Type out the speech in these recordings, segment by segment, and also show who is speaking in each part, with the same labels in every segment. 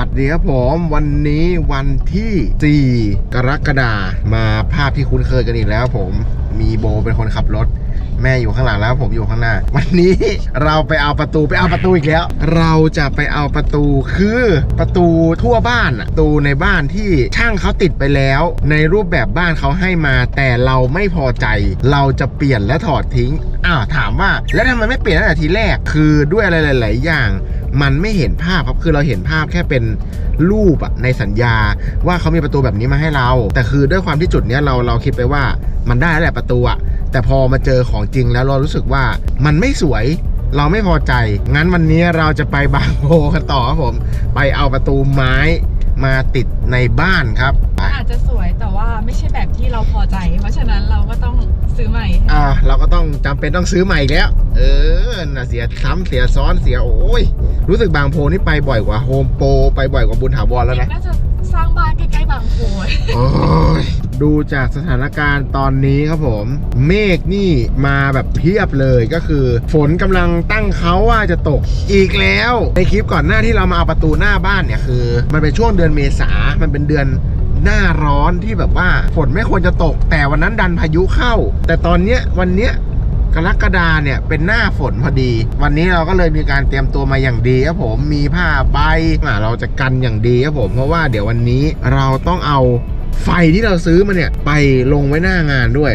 Speaker 1: ดีครับผมวันนี้วันที่4 กรกฎาคมมาภาพที่คุ้นเคยกันอีกแล้วผมมีโบเป็นคนขับรถแม่อยู่ข้างหลังแล้วผมอยู่ข้างหน้าวันนี้เราไปเอาประตูอีกแล้วเราจะไปเอาประตูคือประตูทั่วบ้านประตูในบ้านที่ช่างเขาติดไปแล้วในรูปแบบบ้านเขาให้มาแต่เราไม่พอใจเราจะเปลี่ยนและถอดทิ้งถามว่าแล้วทำไมไม่เปลี่ยนตั้งแต่ทีแรกคือด้วยอะไรหลายๆอย่างมันไม่เห็นภาพครับคือเราเห็นภาพแค่เป็นรูปในสัญญาว่าเขามีประตูแบบนี้มาให้เราแต่คือด้วยความที่จุดนี้เราคิดไปว่ามันได้แล้วแหละประตูแต่พอมาเจอของจริงแล้วเรารู้สึกว่ามันไม่สวยเราไม่พอใจงั้นวันนี้เราจะไปบางโพกันต่อครับผมไปเอาประตูไม้มาติดในบ้านครับ
Speaker 2: อาจจะสวยแต่ว่าไม่ใช่แบบที่เราพอใจเพราะฉะนั้นเราก็ต้องซื้อใหม่
Speaker 1: เราก็ต้องจำเป็นต้องซื้อใหม่อีกแล้วน่ะเสียซ้ำเสียซ้อนเสียโอ้ยรู้สึกบางโพนี่ไปบ่อยกว่าโฮมโปรไปบ่อยกว่าบุญถาวรแล้วนะ
Speaker 2: น่าจะสร้างบ้านใกล้ๆบางโพ
Speaker 1: โอ้ยดูจากสถานการณ์ตอนนี้ครับผมเมฆนี่มาแบบเพียบเลยก็คือฝนกำลังตั้งเขาว่าจะตกอีกแล้วในคลิปก่อนหน้าที่เรามาเอาประตูหน้าบ้านเนี่ยคือมันเป็นช่วงเดือนเมษามันเป็นเดือนหน้าร้อนที่แบบว่าฝนไม่ควรจะตกแต่วันนั้นดันพายุเข้าแต่ตอนเนี้ยวันเนี้ยกรกฎาเนี่ยเป็นหน้าฝนพอดีวันนี้เราก็เลยมีการเตรียมตัวมาอย่างดีครับผมมีผ้าใบเราจะกันอย่างดีครับผมเพราะว่าเดี๋ยววันนี้เราต้องเอาไฟที่เราซื้อมาเนี่ยไปลงไว้หน้างานด้วย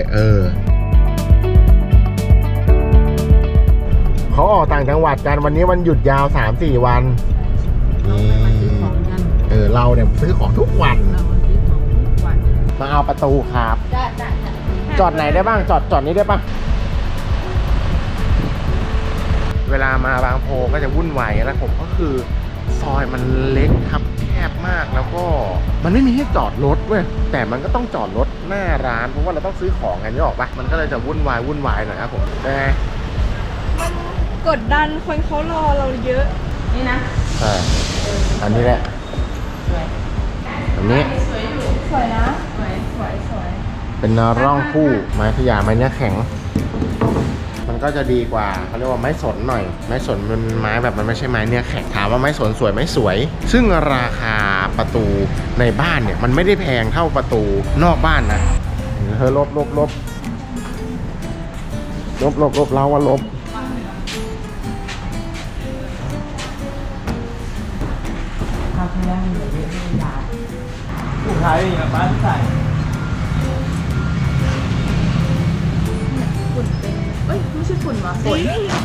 Speaker 1: เขาออกต่างจังหวัดกันวันนี้วันหยุดยาว 3-4 วันเราเนี่ยซื้อของทุกวันมาเอาประตูครับจอดไหนได้บ้างจอดนี้ได้ปะเวลามาบางโพก็จะวุ่นวายแล้วผมก็คือซอยมันเล็กครับแคบมากแล้วก็มันไม่มีให้จอดรถเว้ยแต่มันก็ต้องจอดรถหน้าร้านเพราะว่าเราต้องซื้อของกันนี่ออกปะมันก็เลยจะวุ่นวายหน่อยครับผมได้ไง
Speaker 2: มันกดดันคนเขารอเราเยอะนี่นะ
Speaker 1: อันนี้แหละอันนี้
Speaker 2: สวยอยู่สวยนะสวย
Speaker 1: เป็นร่องคู่ไม้ขยะไม้เนื้อแข็งมันก็จะดีกว่าเขาเรียกว่าไม้สนหน่อยไม้สนมันไม้แบบมันไม่ใช่ไม้เนื้อแข็งถามว่าไม้สนสวยไม่สวยซึ่งราคาประตูในบ้านเนี่ยมันไม่ได้แพงเท่าประตูนอกบ้านนะลบเราว่าลบ
Speaker 3: ผู้ชายนี่กับบ้านใส่
Speaker 2: ฝุ่นเป็นไม่ใช่ฝุ่นวะฝน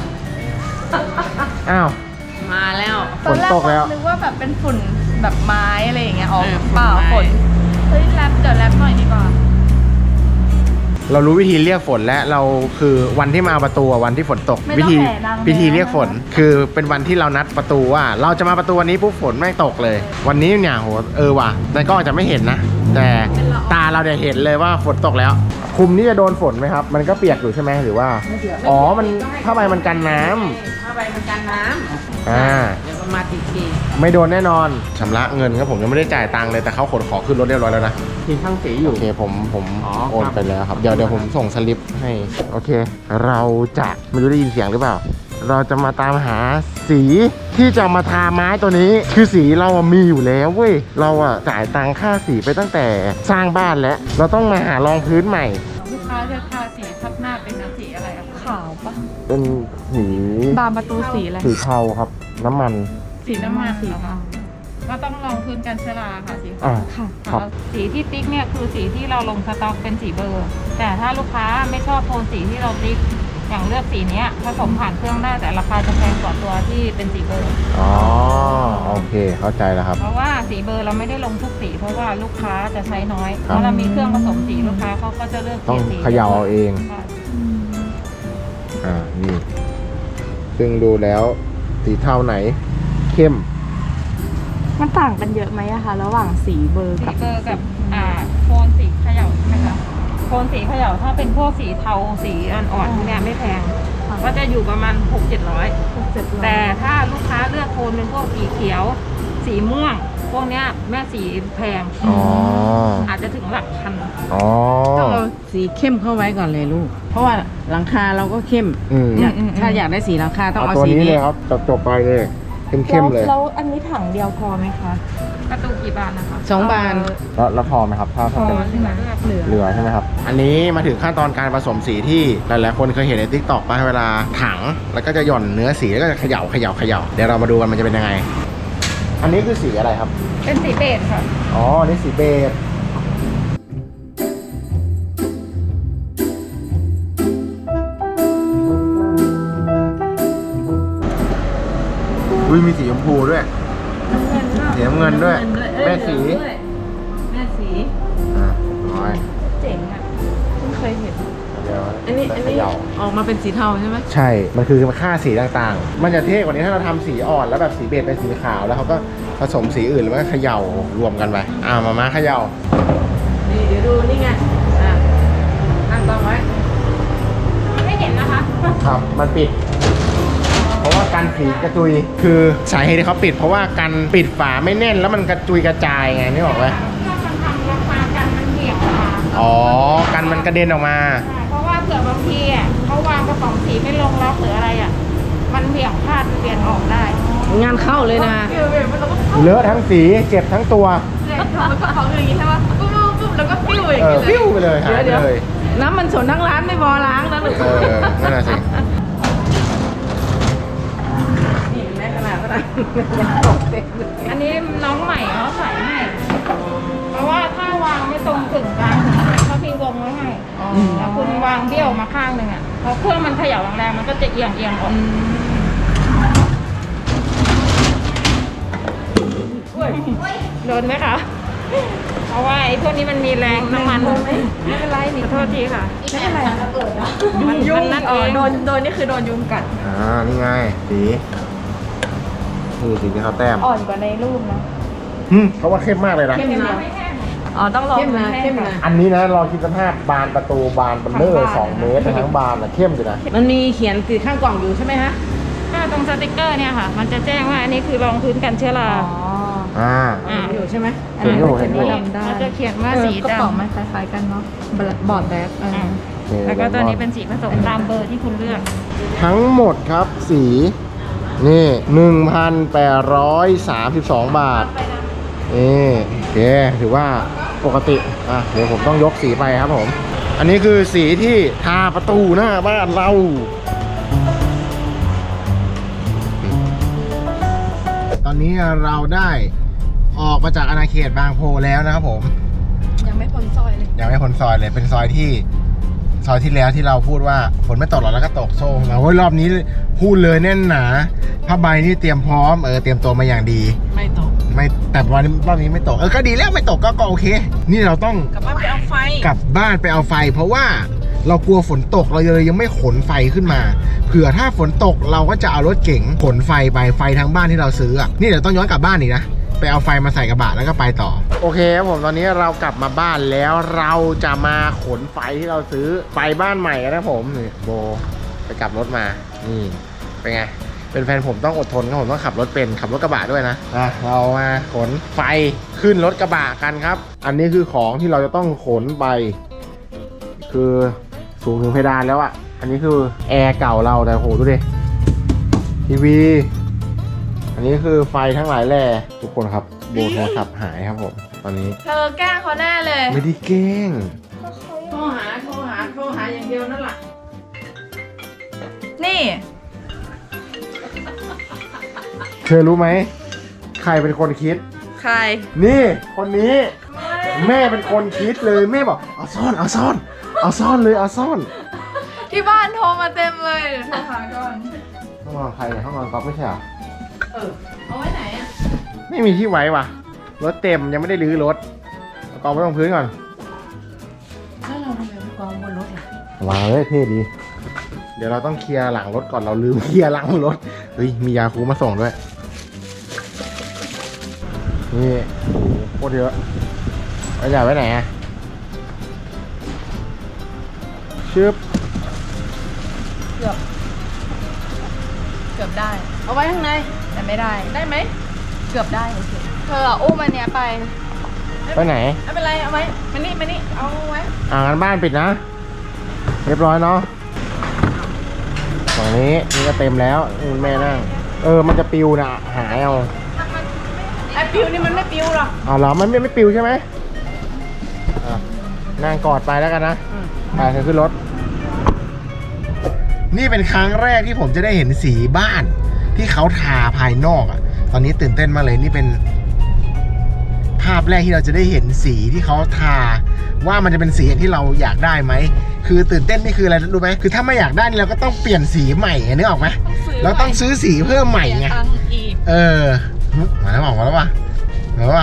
Speaker 1: มา
Speaker 2: แล้ว
Speaker 1: ฝนตกแล้ว
Speaker 2: นึกว่าแบบเป็นฝุ่นแบบไม้อะไรอย่างเงี้ยเปล่าฝนเฮ้ยแรปเดี๋ยวแรปหน่อยดีกว่า
Speaker 1: เรารู้วิธีเรียกฝนแล้วเราคือวันที่มาประตูวันที่ฝนตกวิธีเรียกฝนคือเป็นวันที่เรานัดประตูว่าเราจะมาประตูวันนี้ปุ๊บฝนไม่ตกเลยวันนี้เนี่ยโหว่ะในกล้องจะไม่เห็นนะแต่ตาเราเนี่ยเห็นเลยว่าฝนตกแล้วคุมนี่จะโดนฝนไหมครับมันก็เปียกอยู่ใช่ไหมหรือว่ามันผ้าใบมันกันน้ำ
Speaker 2: ผ้าใบมันกันน้ำเดี๋ยวมาตี
Speaker 1: ไม่โดนแน่นอนชำระเงินครับผมยังไม่ได้จ่ายตังค์เลยแต่เขาขนของขึ้นรถเรียบร้อยแล้วนะ
Speaker 3: ทีช่างสีอยู่
Speaker 1: โอเคผมโอนไปแล้วครับเดี๋ยวผมส่งสลิปให้โอเคเราจะไม่รู้ได้ยินเสียงหรือเปล่าเราจะมาตามหาสีที่จะมาทาไม้ตัวนี้คือสีเรามีอยู่แล้วเว้ยเราจ่ายตังค่าสีไปตั้งแต่สร้างบ้านแล้วเราต้องมาหารองพื้นใหม่
Speaker 2: ลูกค้าจะทาสีทับหน้าเป็นสีอะไรขาวปะ
Speaker 1: เป็นสี
Speaker 2: บานประตูสีอะไร
Speaker 1: สีเทาครับน้ำมัน
Speaker 2: สีน้ำมันสีเทาก็ต้องลงพื้นกันเชื้อราค่ะสีค่ะสีที่ติ๊กเนี่ยคือสีที่เราลงสต็อกเป็นสีเบอร์แต่ถ้าลูกค้าไม่ชอบโทนสีที่เราติ๊กอย่างเลือกสีนี้ผสมผ่านเครื่องได้แต่ราคาจะแพงกว่าตัวที่เป็นสีเบอร์
Speaker 1: โอเคเข้าใจแล้วครับ
Speaker 2: เพราะว่าสีเบอร์เราไม่ได้ลงทุกสีเพราะว่าลูกค้าจะใช้น้อยเพราะเรามีเครื่องผสมสีลูกค้าเขาก็จะเลือก
Speaker 1: ต้องเขย่าเอาเองนี่ซึ่งดูแล้วสีเทาไหนเข้ม
Speaker 2: มันต่างกันเยอะไหมคะระหว่างสีเบอร์กับโทนสีเขย่าใช่ไหมคะโทนสีเขย่าถ้าเป็นพวกสีเทาสีอ่อนๆพวกนี้ไม่แพงก็จะอยู่ประมาณ 600-700แต่ถ้าลูกค้าเลือกโทนเป็นพวกสีเขียวสีม่วงพวกนี้แม่สีแพงอาจจะถึงหลักพัน
Speaker 3: ต้องเอาสีเข้มเข้าไว้ก่อนเลยลูกเพราะว่าหลังคาเราก็เข้มถ้าอยากได้สีหลังคาต้องเอาสีนี้
Speaker 1: เลยครับจบไปเลยเข้มๆเลย
Speaker 2: แล้วอันนี้ถังเดียวพอไหมคะประตูกี่บานนะคะ
Speaker 3: 2 บาน
Speaker 1: แล้วพอไหมครับถ้า
Speaker 2: พอ
Speaker 1: เป็น
Speaker 2: เหลือ
Speaker 1: เหลือใช่ไหมครับ อันนี้มาถึงขั้นตอนการผสมสีที่หลายๆคนเคยเห็นใน TikTok ป่ะเวลาถังแล้วก็จะหย่อนเนื้อสีแล้วก็จะเขย่าเดี๋ยวเรามาดูกันมันจะเป็นยังไง อันนี้คือสีอะไรครับ
Speaker 2: เป็นสีเบจค่ะ
Speaker 1: อ๋ออันนี่สีเบจอุ้ยมีสีชมพูด้วยสีน้ำเงินด้วยแม่สี
Speaker 3: แม่สี
Speaker 1: อ่ะน้อย
Speaker 2: เจ๋งอ่ะเพิ่งเคยเห็น
Speaker 1: เดี๋ยว
Speaker 3: อันนี้
Speaker 1: เขย่า
Speaker 3: ออกมาเป็นสีเทาใช่ไหม
Speaker 1: ใช่ มันคือค่าสีต่างๆ มันจะเท่กว่านี้ถ้าเราทำสีอ่อนแล้วแบบสีเบจเป็นสีขาวแล้วเขาก็ผสมสีอื่นแล้วก็เขย่ารวมกันไปมาเขย่า
Speaker 3: นี่เดี๋ยวดูนี่ไงตั้งกล้องไว้
Speaker 2: ไม่เห็นนะคะ
Speaker 1: ครับ มันปิด เพราะว่ากันสีกระจุย คือสาเหตุที่เขาปิด เพราะว่ากันปิดฝาไม่แน่นแล้วมันกระจุยกระจายไงนึกออกไหม
Speaker 2: ถ้ามันทำราคากันมันเบี่ยงออกมา
Speaker 1: อ๋อ กันมันกระเด็นออกมา
Speaker 2: ใช่เพราะว่าเผื่อบางทีอ่ะเขาวางกระป๋องสีไม่ลงล็อกหรืออะไรอ่ะ มันเบี่ยงพลาดเบี่ยงออกได้
Speaker 3: งานเข้าเลยนะ
Speaker 1: เลอะทั้งสีเจ็บทั้งตัว
Speaker 2: มันก็เขาอย่างนี้ใช่ไหมปุ๊บปุ๊บแล้วก็ปิ้วอย่างนี้เลย
Speaker 1: ปิ้วไปเลยหายไป
Speaker 3: เดี๋ยว
Speaker 1: เลย
Speaker 3: น้ำมันสนทั้งร้านไม่พอล้างนะลูก
Speaker 1: นั่นน่ะสิ
Speaker 3: นี่แม่ขนาดนั้นยังตกเต็มเลย
Speaker 2: อันนี้น้องใหม่เขาใส่ให้ เพราะว่าถ้าวางไม่ตรงกึ่งกลางเขาพี่วงไว้ให้แล้วคุณวางเบี้ยวมาข้างหนึ่งอ่ะพอเครื่องมันเขย่าแรงๆมันก็จะเอียงออกโดนไหมคะ เพราะว่าไอ้พวกนี้มันมีแรงน้ำมันไม่เป็นไรนี่ขอโทษทีค่ะไม่เป็นไรมันยุ่งนั่นเองโดนนี่คือโดนยุงกัด
Speaker 1: นี่ไงสีนี่สีที่เขาแต้ม
Speaker 2: อ่อนกว่าในรูปนะ
Speaker 1: เขาว่าเข้มมากเลยนะ
Speaker 3: เข้มนะ
Speaker 2: อ๋อต้องรอ
Speaker 3: เข้มนะเข้มนะ
Speaker 1: อันนี้นะรอคิดสภาพบานประตูบานเบลเลอร์2 เมตรทั้งบานนะเข้มอยู่นะ
Speaker 3: มันมีเขียนติดข้างกล่องอยู่ใช่ไหมฮะ
Speaker 2: ก็ตรงสติกเกอร์เนี่ยค่ะ มันจะแจ้งว่าอันนี้คือรองพื้นกันเชื้อรา
Speaker 3: อยู่ใช่ไหม
Speaker 1: เห็นอยู่เห็นอยู่
Speaker 2: มันจะเขียนว่าสี
Speaker 4: กระ
Speaker 2: ดำ
Speaker 4: ป๋องมันคล้ายๆกันเนาะบอร์ดแบ็ค
Speaker 2: แล้วก็ตัวนี้เป็นสีผสมตามเบอร์ที่คุณเลือก
Speaker 1: ทั้งหมดครับสีนี่ 1,832 บาทนี่โอเคถือว่าปกติเดี๋ยวผมต้องยกสีไปครับผม อันนี้คือสีที่ทาประตูหน้าบ้านเรา ตอนนี้เราได้ออกมาจากอาณาเขตบางโพแล้วนะครับผม
Speaker 4: ยังไม่พ้นซอยเลย
Speaker 1: ยังไม่พ้นซอยเลยเป็นซอยที่แล้วที่เราพูดว่าฝนไม่ตกหรอกแล้วก็ตกโซ่มาเฮ้ยรอบนี้พูดเลยแน่นหนาผ้าใบนี่เตรียมพร้อมเตรียมตัวมาอย่างดี
Speaker 3: ไม่ตก
Speaker 1: ไม่แต่วันนี้รอบนี้ไม่ตกก็ดีแล้วไม่ตกก็โอเค นี่เราต้อง
Speaker 3: กลับบ้านไปเอาไฟ
Speaker 1: กลับบ้านไปเอาไฟ เพราะว่าเรากลัวฝนตกเราเลยยังไม่ขนไฟขึ้นมาเผื่อถ้าฝนตกเราก็จะเอารถเก๋งขนไฟไปไฟทั้งบ้านที่เราซื้อนี่เดี๋ยวต้องย้อนกลับบ้านอีกนะไปเอาไฟมาใส่กระบะแล้วก็ไปต่อโอเคครับผมตอนนี้เรากลับมาบ้านแล้วเราจะมาขนไฟที่เราซื้อไฟบ้านใหม่กันนะผมนี่โบไปกลับรถมานี่เป็นไงเป็นแฟนผมต้องอดทนครับผมต้องขับรถเป็นขับรถกระบะด้วยนะเรามาขนไฟขึ้นรถกระบะกันครับอันนี้คือของที่เราจะต้องขนไปคือสูงถึงเพดานแล้วอ่ะอันนี้คือแอร์เก่าเราแต่โหดูดิทีวีอันนี้คือไฟทั้งหลายแหล่ทุกคนครับโบโทรศัพท์หายครับผมตอนนี้
Speaker 4: เธอแกล้งเขาแน่เลย
Speaker 1: ไม่ได้เก้ง
Speaker 3: โทรหาอย่างเดียวนั่นแหละ
Speaker 4: นี่
Speaker 1: เธอรู้ไหมใครเป็นคนคิด
Speaker 4: ใคร
Speaker 1: นี่คนนี้แม่เป็นคนคิดเลยแม่บอกเอาซ่อนเลยเอาซ่อน
Speaker 4: ที่บ้านโทรมาเต็มเลยเดี๋ยวโทรหาก่อน
Speaker 1: ห้องนอนใครเนี่ยห้องนอนก๊อฟไม่ใช่เหรอ
Speaker 4: เอาไว้ไหนอ่ะ
Speaker 1: ไม่มีที่ไว้ว่ะรถเต็มยังไม่ได้รื้อรถเอากองไว้ตรงพื้นก่อน
Speaker 3: แล้วเราทำไมไม่กองบนรถล่ะ
Speaker 1: วางเลยเท่ดี เดี๋ยวเราต้องเคลียร์หลังรถก่อนเราลืมเคลียร์หลังรถเฮ้ยมียาคูมาส่งด้วยนี่โอ้โหโคตรเยอะเอาใหญ่ไว้ไหนอะชึบ
Speaker 4: เกือบได้
Speaker 3: เอาไว้ข้างใน
Speaker 4: แต่ไม่ได้
Speaker 3: ได้ไหม
Speaker 4: เกือบได้โอเคเธออุ้มอันเนี้ยไป
Speaker 1: ไปไหน
Speaker 3: ไม่เป็นไรเอาไว้มานี่เอาไว้
Speaker 1: งั้นบ้านปิดนะ เรียบร้อยเนาะฝั่งนี้นี่ก็เต็มแล้วนี่แม่นั่งมันจะปิวนะหายเอา
Speaker 3: ไอ้ปิวนี่มันไม่ปิวหรอก
Speaker 1: อ๋อเหรอมันไม่ปิวใช่ไหมนั่งกอดไปแล้วกันนะไปเธอขึ้นรถนี่เป็นครั้งแรกที่ผมจะได้เห็นสีบ้านที่เขาทาภายนอกอ่ะตอนนี้ตื่นเต้นมากเลยนี่เป็นภาพแรกที่เราจะได้เห็นสีที่เขาทาว่ามันจะเป็นสีอย่างที่เราอยากได้ไหมคือตื่นเต้นนี่คืออะไรรู้ไหมคือถ้าไม่อยากได้นี่เราก็ต้องเปลี่ยนสีใหม่นึกออกไหมเราต้องซื้อสีเพิ่มใหม่ไงมาแล้วมาแล้วว่ะมาแล้วว่ะ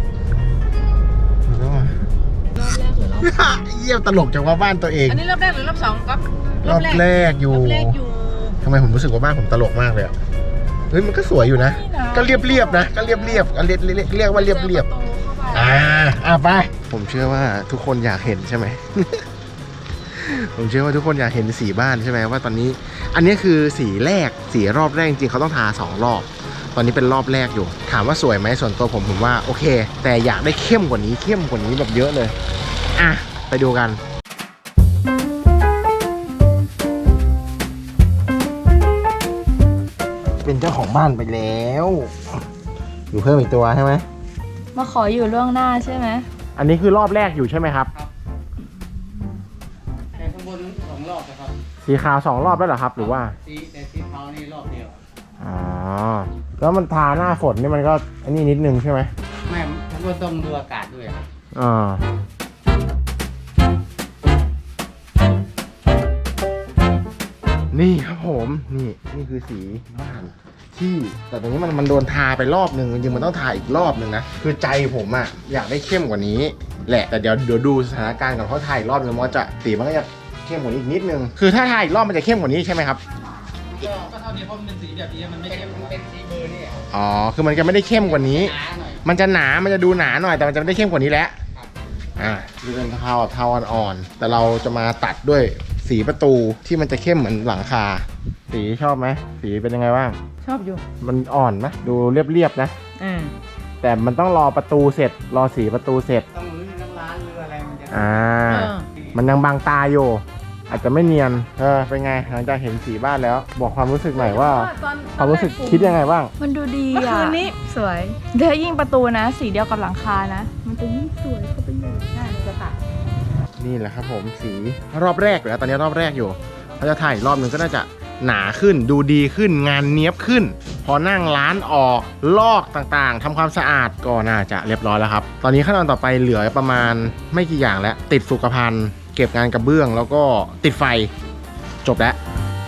Speaker 1: เยี่ยมตลกจังว่าบ้านตัวเอง
Speaker 3: อันนี้รอบแรกหรือรอบสองก๊อฟ
Speaker 1: รอบแรกอยู่ทำไมผมรู้สึกว่าบ้านผมตลกมากเลยอะเฮ้ยมันก็สวยอยู่นะก็เรียบๆนะก็เรียบก็เรียกว่าเรียบไปผมเชื่อว่าทุกคนอยากเห็นใช่ไหม ผมเชื่อว่าทุกคนอยากเห็นสีบ้านใช่ไหมว่าตอนนี้อันนี้คือสีแรกสีรอบแรกจริงๆเขาต้องทา2 รอบตอนนี้เป็นรอบแรกอยู่ถามว่าสวยไหมส่วนตัวผมว่าโอเคแต่อยากได้เข้มกว่านี้แบบเยอะเลยไปดูกันเป็นเจ้าของบ้านไปแล้วอยู่เพิ่มอีกตัวใช่ไหม
Speaker 4: มาขออยู่ล่วงหน้าใช่ไหม
Speaker 1: อันนี้คือรอบแรกอยู่ใช่ไหมครับ
Speaker 5: แต่ข้างบน2 รอบนะครับ
Speaker 1: สีขาว2 รอบแล้วเหรอครับหรือว่า
Speaker 5: แต่สีเทานี่รอบเดียว
Speaker 1: อ๋อแล้วมันทาหน้าฝนนี่มันก็อันนี้นิดนึงใช่ไหม
Speaker 5: ไม่ทั้งบนต้องดูอากาศด้วยครับ
Speaker 1: นี่ครับผมนี่คือสีบ้านที่แต่ตรงนี้มันโดนทาไปรอบนึงจริงๆมันต้องทาอีกรอบนึงนะคือใจผมอะอยากได้เข้มกว่านี้แหละแต่เดี๋ยวดูสถานการณ์ก่อนเพราะทาอีกรอบนึงมันจะสีมันก็จะเข้มกว่านี้อีกนิดนึงคือถ้าทาอีกรอบมันจะเข้มกว่านี้ใช่ไหมครับ
Speaker 5: ก็เท่านี้เพราะมันเป็นสีแบบนี้มันไม่เข้มมันเป็นสีเบอร์นี่
Speaker 1: อ๋อคือมันจะไม่ได้เข้มกว่านี้
Speaker 5: หนาหน่อย
Speaker 1: มันจะหนามันจะดูหนาหน่อยแต่มันจะไม่ได้เข้มกว่านี้แล้วคือเป็นเทาอ่อนๆแต่เราจะมาตัดด้วยสีประตูที่มันจะเข้มเหมือนหลังคาสีชอบไหมสีเป็นยังไงบ้าง
Speaker 3: ชอบอยู่
Speaker 1: มันอ่อนไหมดูเรียบๆนะแต่มันต้องรอประตูเสร็จรอสีประตูเสร็จ
Speaker 5: ต้องรื้อทั้งร้านรื้ออะไรมันจะ
Speaker 1: มันยังบางตาอยู่อาจจะไม่เนียนเป็นไงหลังจากเห็นสีบ้านแล้ว บอกความรู้สึกหน่อยว่าความรู้สึกคิดยังไงบ้าง
Speaker 4: มันดูดี
Speaker 3: เมื่อคืนนี้
Speaker 4: สวยเดี๋ยวยิ่งประตูนะ สีเดียวกับหลังคานะ มันจะยิ่งสวยเข้าไปอยู่มันจะตัด
Speaker 1: นี่แหละครับผมสีรอบแรกแล้วตอนนี้รอบแรกอยู่เขาจะถ่ายอีกรอบนึงก็น่าจะหนาขึ้นดูดีขึ้นงานเนี้ยบขึ้น พอนั่งร้านออกลอกต่างๆทำความสะอาดก็น่าจะเรียบร้อยแล้วครับตอนนี้ขั้นตอนต่อไปเหลือประมาณไม่กี่อย่างแล้วติดสุขภัณฑ์เก็บงานกระเบื้องแล้วก็ติดไฟจบแล้ว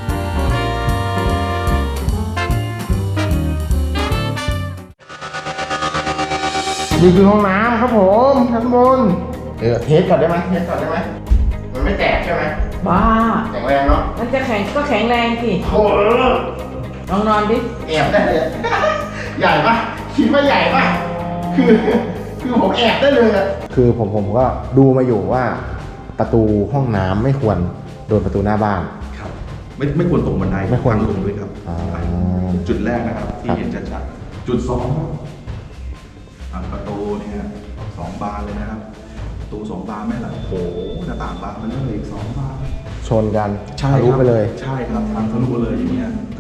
Speaker 1: นี่คือห้องน้ำครับผมชั้นบนเทสก่อนได้ไหมมันไม่แตกใช่ไหม
Speaker 3: บ้า
Speaker 1: แข็งแรงเนาะ
Speaker 3: มันจะแข็งแรงสิ
Speaker 1: โอ้โห
Speaker 3: ลองนอนดิ
Speaker 1: แอบได้เลย ใหญ่ปะคิดว่าใหญ่ปะคือผมแอบได้เลยอะคือผมก็ดูมาอยู่ว่าประตูห้องน้ำไม่ควรโดนประตูหน้าบ้าน
Speaker 6: ครับไม่ควรตกบันได
Speaker 1: ไม่ควร
Speaker 6: ทางลงด้วยครับ
Speaker 1: อ๋อ
Speaker 6: จุดแรกนะครับที่เห็นชัดๆจุด 2ประตูเนี่ย2 บานเลยนะครับประตู2 บานไม่หลังโอ้โหหน้าต่างบานมันเริ่มอีก2 บาน
Speaker 1: ชนกัน
Speaker 6: ใช่
Speaker 1: ทะลุ
Speaker 6: ครับ
Speaker 1: ไปเลย
Speaker 6: ใช่ครับทางทะลุเลยอย่างเงี้ย